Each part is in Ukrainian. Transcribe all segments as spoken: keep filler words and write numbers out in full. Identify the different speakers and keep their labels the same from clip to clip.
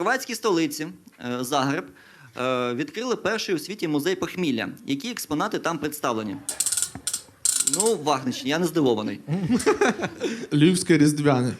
Speaker 1: хорватській столиці е, Загреб е, відкрили перший у світі музей похмілля. Які експонати там представлені? Ну, Вахнич, я не здивований.
Speaker 2: Львівське різдвяне.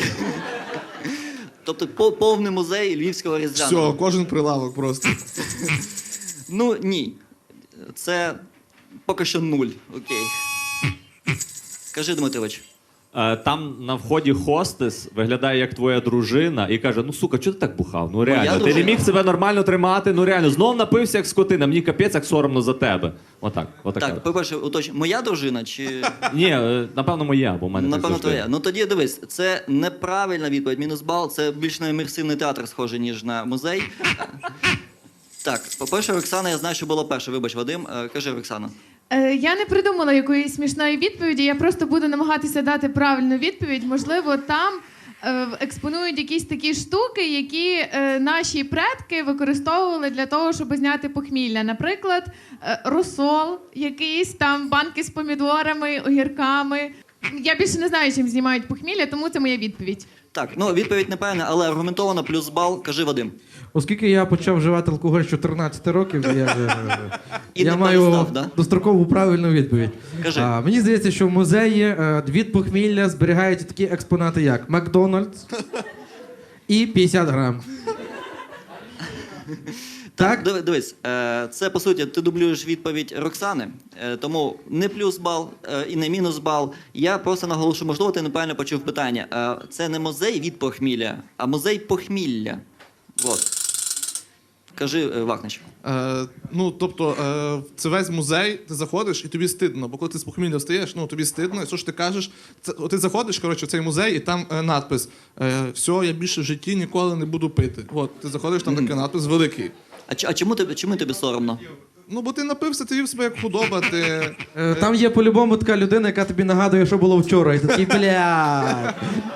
Speaker 1: Тобто по- повний музей львівського різдвяного.
Speaker 2: Все, кожен прилавок просто.
Speaker 1: Ну, ні. Це поки що нуль. Окей. Кажи, Дмитрович.
Speaker 3: Е, Там на вході хостес виглядає як твоя дружина і каже: ну сука, чого ти так бухав? Ну реально, ти не
Speaker 1: дружина.
Speaker 3: міг себе нормально тримати, ну реально, знов напився як скотина, мені капець як соромно за тебе. Отак, отака.
Speaker 1: Так, по-перше, уточню, моя дружина чи...
Speaker 3: Ні, е, напевно, моя, бо в мене так
Speaker 1: Напевно,
Speaker 3: завжди.
Speaker 1: твоя. Ну тоді дивись, це неправильна відповідь. Мінус бал, це більш на імерсивний театр схоже, ніж на музей. Так, по-перше, Оксана, я знаю, що було перше. Вибач, Вадим. Е, Кажи, Оксана.
Speaker 4: Е, Я не придумала якоїсь смішної відповіді, я просто буду намагатися дати правильну відповідь. Можливо, там е, експонують якісь такі штуки, які е, наші предки використовували для того, щоб зняти похмілля. Наприклад, е, розсол, якийсь там банки з помідорами, огірками. Я більше не знаю, чим знімають похмілля, тому це моя відповідь.
Speaker 1: Так, ну відповідь неправильна, але аргументовано, плюс бал. Кажи, Вадим.
Speaker 5: Оскільки я почав вживати алкоголь з чотирнадцяти років, я, вже,
Speaker 1: І
Speaker 5: я
Speaker 1: не
Speaker 5: маю
Speaker 1: перестав, да?
Speaker 5: дострокову правильну відповідь.
Speaker 1: Кажи.
Speaker 5: А, мені здається, що в музеї е, від похмілля зберігаються такі експонати, як Макдональдс і п'ятдесят грам. Так?
Speaker 1: Диви- Дивись, е, це по суті ти дублюєш відповідь Роксани, е, тому не плюс бал е, і не мінус бал. Я просто наголошую, можливо, ти неправильно почув питання. Е, Це не музей від похмілля, а музей похмілля. От. Кажи, е, Вахнич.
Speaker 2: Е, ну, тобто, е, це весь музей, ти заходиш і тобі стидно, бо коли ти з похмілля встаєш, ну, тобі стидно, і що ж ти кажеш? Це, от ти заходиш, коротше, в цей музей, і там е, надпис е, «Все, я більше в житті ніколи не буду пити». От, ти заходиш, там такий надпис великий.
Speaker 1: А, ч- а чому тобі, чому тобі соромно?
Speaker 2: Ну, бо ти напився, ти вів себе як худоба, ти...
Speaker 5: Е, там є по-любому така людина, яка тобі нагадує, що було вчора. І ти такий, бля.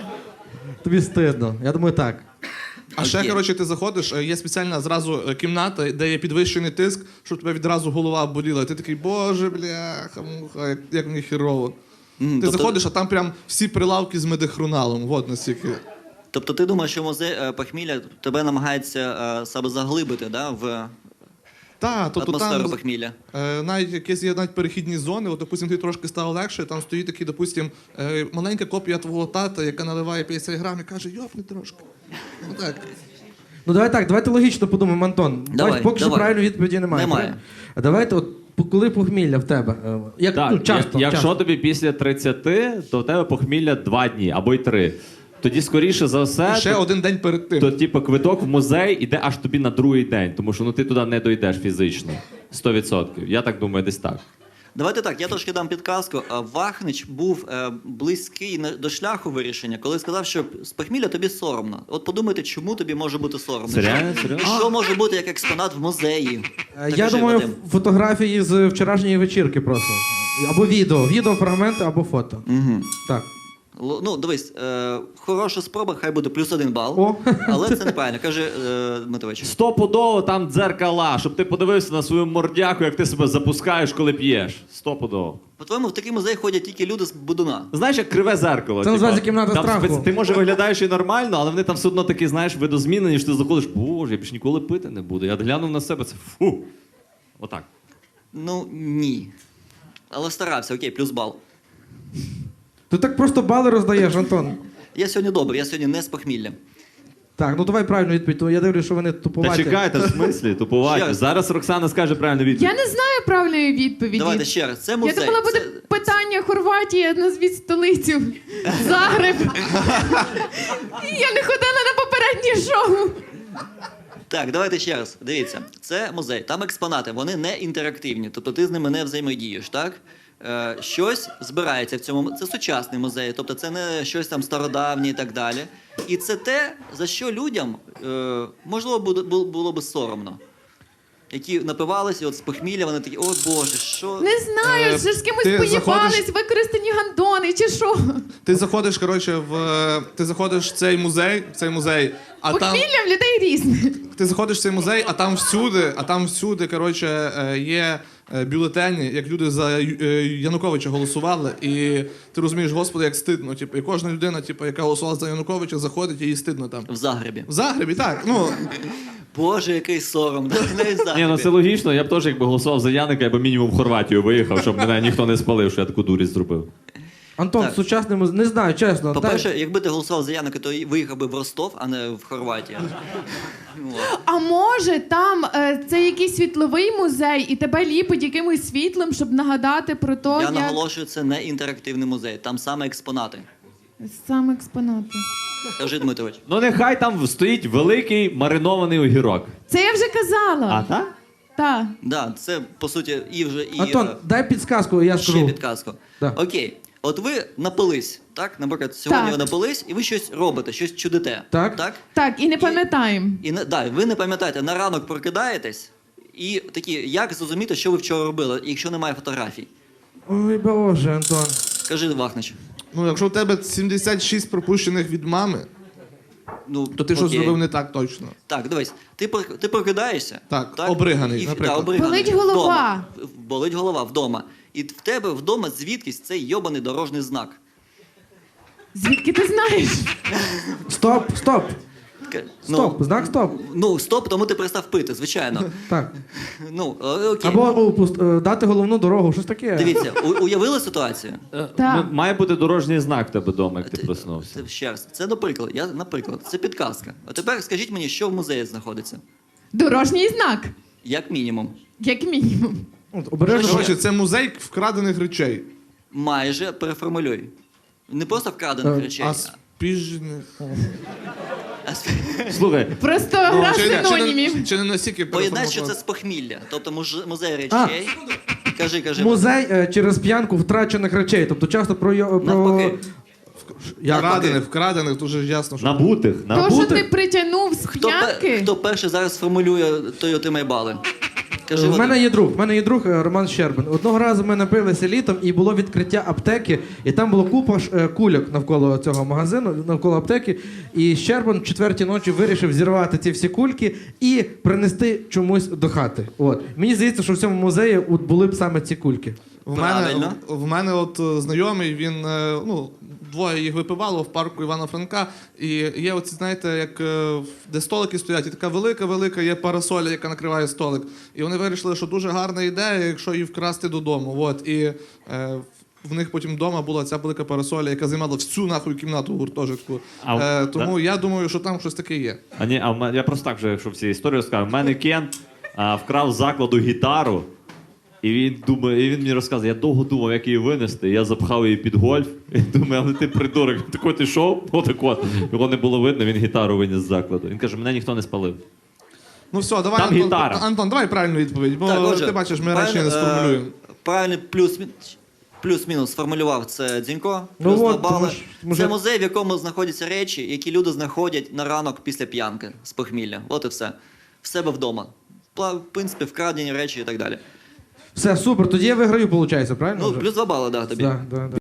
Speaker 5: Тобі стидно. Я думаю, так.
Speaker 2: А ще,
Speaker 1: Окей.
Speaker 2: коротше, ти заходиш, е, є спеціальна зразу е, кімната, де є підвищений тиск, щоб тебе відразу голова боліла. І ти такий, боже, бляха, муха, як, як мені хірово.
Speaker 1: Мгм,
Speaker 2: Ти
Speaker 1: тобто-
Speaker 2: заходиш, а там прям всі прилавки з медихруналом. От настільки.
Speaker 1: Тобто ти думаєш, що музей е, похмілля тебе намагається е, себе заглибити, да, в
Speaker 2: Та, тобто
Speaker 1: атмосферу
Speaker 2: там
Speaker 1: похмілля?
Speaker 2: е, навіть якісь є навіть перехідні зони, от, допустим, ти трошки стало легше, там стоїть такий, допустим, е, маленька копія твого тата, яка наливає п'ятдесят грам і каже, йопни трошки. Ну так.
Speaker 5: Ну давай так, давайте логічно подумаємо, Антон.
Speaker 1: Давай,
Speaker 5: Бач, поки що
Speaker 1: давай.
Speaker 5: правильної відповіді немає.
Speaker 1: Немає.
Speaker 5: А давайте, от по- коли похмілля в тебе? Е, Як,
Speaker 3: Так,
Speaker 5: ну, часто,
Speaker 3: як- якщо
Speaker 5: часто.
Speaker 3: тобі після тридцяти, то в тебе похмілля два дні або й три. Тоді, скоріше за все,
Speaker 2: І ще
Speaker 3: то,
Speaker 2: один день перед тим.
Speaker 3: то типу, квиток в музей іде аж тобі на другий день, тому що ну, ти туди не дойдеш фізично. сто відсотків. Я так думаю, десь так.
Speaker 1: Давайте так, я трошки дам підказку. А Вахнич був е, близький на- до шляху вирішення, коли сказав, що з похмілля тобі соромно. От подумайте, чому тобі може бути соромно.
Speaker 3: Серйозно?
Speaker 1: Що-
Speaker 3: Серйозно?
Speaker 1: І що може бути як експонат в музеї?
Speaker 5: Е,
Speaker 1: Так
Speaker 5: Я
Speaker 1: кажи,
Speaker 5: думаю,
Speaker 1: Вадим.
Speaker 5: фотографії з вчорашньої вечірки просто. Або відео. Відео, фрагменти, або фото.
Speaker 1: Угу.
Speaker 5: Так.
Speaker 1: Л- Ну, дивись, е, хороша спроба, хай буде плюс один бал.
Speaker 5: О.
Speaker 1: Але це неправильно. Каже е, Дмитрович.
Speaker 3: Стопудово там дзеркала, щоб ти подивився на свою мордяку, як ти себе запускаєш, коли п'єш. Стопудово.
Speaker 1: По-твоєму, в такий музей ходять тільки люди з будуна.
Speaker 3: Знаєш, як криве зеркало.
Speaker 5: Це називається кімната
Speaker 3: там
Speaker 5: страху.
Speaker 3: спец- Ти може виглядаєш і нормально, але вони там все одно такі, знаєш, видозмінені, що ти заходиш, боже, я більше ніколи пити не буду. Я глянув на себе, це фу. Отак.
Speaker 1: Ну, ні. Але старався, окей, плюс бал.
Speaker 5: Ти так просто бали роздаєш, Антон.
Speaker 1: Я сьогодні добрий, я сьогодні не з похмілля.
Speaker 5: Так, ну давай правильну відповідь, то я дивлюсь, що вони
Speaker 3: Та
Speaker 5: тупуваті.
Speaker 3: чекайте, в смислі,
Speaker 1: Ще
Speaker 3: тупуваті.
Speaker 1: раз.
Speaker 3: Зараз Роксана скаже правильну відповідь.
Speaker 4: Я не знаю правильної відповіді.
Speaker 1: Давайте ще раз. Це
Speaker 4: Я
Speaker 1: музей.
Speaker 4: думала, буде
Speaker 1: Це-
Speaker 4: питання Хорватія, назвіть столицю. Загреб. Я не ходила на попереднє шоу.
Speaker 1: Так, давайте ще раз. Дивіться, це музей. Там експонати, вони не інтерактивні, тобто ти з ними не взаємодієш, так? Е, щось збирається в цьому. Це сучасний музей, тобто це не щось там стародавнє і так далі. І це те, за що людям е, можливо буде- бу- було би соромно. Які напивалися, от з похмілля, вони такі, о Боже, що.
Speaker 4: Не знаю,
Speaker 2: Е,
Speaker 4: що ж з кимось
Speaker 2: ти
Speaker 4: поїбались,
Speaker 2: заходиш-
Speaker 4: використані гандони чи що.
Speaker 2: Ти заходиш, коротше, в ти заходиш в цей музей, в цей музей, а там
Speaker 4: Похмілля в людей різне.
Speaker 2: ти заходиш в цей музей, а там всюди, а там всюди, коротше, е, є е, бюлетені, як люди за Ю- е, Януковича голосували, і ти розумієш, господи, як стидно. Типу, і кожна людина, типу, яка голосувала за Януковича, заходить і їй стидно там.
Speaker 1: В Загребі.
Speaker 2: В Загребі, так. Ну,
Speaker 1: Боже, який сором. да, навіть в
Speaker 3: Ні,
Speaker 1: Загребі.
Speaker 3: ну це логічно, я б теж якби голосував за Яника, я б мінімум в Хорватію виїхав, щоб мене ніхто не спалив, що я таку дурість зробив.
Speaker 5: Антон,
Speaker 1: Так.
Speaker 5: сучасний музей, не знаю, чесно.
Speaker 1: По-перше,
Speaker 5: та-
Speaker 1: якби ти голосував за Яника, то виїхав би в Ростов, а не в Хорватію. От.
Speaker 4: А може там е, це якийсь світловий музей, і тебе ліпить якимось світлом, щоб нагадати про те,
Speaker 1: Я
Speaker 4: як
Speaker 1: наголошую, це не інтерактивний музей, там саме експонати.
Speaker 4: саме експонати.
Speaker 1: Кажи, Дмитрович.
Speaker 3: Ну нехай там стоїть великий маринований огірок.
Speaker 4: Це я вже
Speaker 3: А
Speaker 4: казала.
Speaker 3: так?
Speaker 4: Так.
Speaker 1: Да, це по суті і вже і
Speaker 5: Антон,
Speaker 1: е,
Speaker 5: дай підсказку, я
Speaker 1: ще
Speaker 5: скажу.
Speaker 1: підказку.
Speaker 5: Да.
Speaker 1: Окей, от ви напились, так? Наприклад, сьогодні
Speaker 4: Так.
Speaker 1: ви напились, і ви щось робите, щось чудите.
Speaker 5: Так.
Speaker 1: так?
Speaker 4: Так, і не пам'ятаємо.
Speaker 1: І не да, ви не пам'ятаєте, на ранок прокидаєтесь, і такі, як зрозуміти, що ви вчора робили, якщо немає фотографій?
Speaker 5: Ой, Боже, Антон.
Speaker 1: Кажи, Вахнич.
Speaker 2: ну, якщо у тебе сімдесят шість пропущених від мами,
Speaker 1: Ну,
Speaker 2: то ти щось
Speaker 1: окей.
Speaker 2: зробив не так точно.
Speaker 1: Так, дивись, ти, прок- ти прокидаєшся.
Speaker 2: Так, обриганий,
Speaker 1: і,
Speaker 2: наприклад.
Speaker 1: Да, обриганий.
Speaker 4: Болить голова.
Speaker 1: Вдома. Болить голова вдома. І в тебе вдома звідкись цей йобаний дорожній знак.
Speaker 4: Звідки ти знаєш?
Speaker 5: Стоп, стоп.
Speaker 1: Таке,
Speaker 5: Стоп, знак стоп.
Speaker 1: Ну, стоп, тому ти перестав пити, звичайно.
Speaker 5: Так.
Speaker 1: Ну, о- окей.
Speaker 5: Або о, пуст- е, дати головну дорогу, щось таке.
Speaker 1: Дивіться, у- уявили ситуацію?
Speaker 4: Так.
Speaker 3: М- Має бути дорожній знак в тебе вдома, як ти проснувся.
Speaker 1: Це ще раз. Це наприклад. Я, наприклад, це підказка. А тепер скажіть мені, що в музеї знаходиться?
Speaker 4: Дорожній знак,
Speaker 1: Як мінімум.
Speaker 4: як мінімум.
Speaker 5: От, обережно.
Speaker 2: Коротше, це музей вкрадених речей.
Speaker 1: Майже переформулюй. Не просто вкрадених
Speaker 5: Е,
Speaker 1: речей.
Speaker 2: А спіжних.
Speaker 1: а сп-
Speaker 3: Слухай,
Speaker 4: Просто гра
Speaker 2: чи, не- чи,
Speaker 4: синонімів.
Speaker 2: не, чи не настільки
Speaker 1: Поєднай, що це
Speaker 2: переформатувати?
Speaker 1: з похмілля. Тобто муж- музей
Speaker 5: А.
Speaker 1: речей. Кажи, кажи.
Speaker 5: Музей е, через п'янку втрачених речей. Тобто часто про... йо- про...
Speaker 1: Навпаки.
Speaker 5: Як?
Speaker 2: Вкрадених, вкрадених, дуже ясно, що...
Speaker 3: набутих,
Speaker 4: То, що
Speaker 3: набутих.
Speaker 4: ти притягнув з
Speaker 1: Хто, пе-
Speaker 4: п'янки,
Speaker 1: хто перший зараз сформулює Toyota Майбали? Кажи,
Speaker 5: В
Speaker 1: Вадим.
Speaker 5: мене є друг, в мене є друг е, Роман Щербин. Одного разу ми напилися літом і було відкриття аптеки, і там було купа ж, е, кульок навколо цього магазину, навколо аптеки. І Щербин в четвертій ночі вирішив зірвати ці всі кульки і принести чомусь до хати. От. Мені здається, що в цьому музеї от були б саме ці кульки.
Speaker 2: В мене,
Speaker 1: Правильно.
Speaker 2: в, в мене от е, знайомий, він, е, ну, двоє їх випивало в парку Івана Франка, і є оці, знаєте, як, е, в- де столики стоять, і така велика-велика є парасоля, яка накриває столик. І вони вирішили, що дуже гарна ідея, якщо її вкрасти додому. От, і е, в них потім вдома була ця велика парасоля, яка займала всю нахуй кімнату в гуртожитку.
Speaker 3: А,
Speaker 2: Е, тому я думаю, що там щось таке є.
Speaker 3: А ні, а в мене- я просто так вже, якщо всі історію розкажу. У мене Кен а, вкрав з закладу гітару, і він думає, і він мені розказує, я довго думав, як її винести. Я запхав її під гольф. І думаю, але ти придурок, такой ти йшов, отак от. Його не було видно, він гітару виніс з закладу. Він каже, мене ніхто не спалив.
Speaker 2: Ну все, давай,
Speaker 3: Там
Speaker 2: Антон,
Speaker 3: гітара.
Speaker 2: Антон, давай правильну відповідь, бо
Speaker 1: Так, отже,
Speaker 2: ти бачиш, ми
Speaker 1: правильно,
Speaker 2: речі не сформулюємо.
Speaker 1: е, Правильно, плюс, плюс-мінус сформулював це Дзінько.
Speaker 5: Ну
Speaker 1: Плюс
Speaker 5: от,
Speaker 1: два бали.
Speaker 5: тому ж, може-
Speaker 1: Це музей, в якому знаходяться речі, які люди знаходять на ранок після п'янки з похмілля. От і все. В себе вдома. Пла- В принципі, вкрадені речі і так далі.
Speaker 5: Все, супер, тоді я виграю, виходить, правильно?
Speaker 1: Ну,
Speaker 5: вже?
Speaker 1: плюс два бали, да, тобі.
Speaker 5: Да, да, да.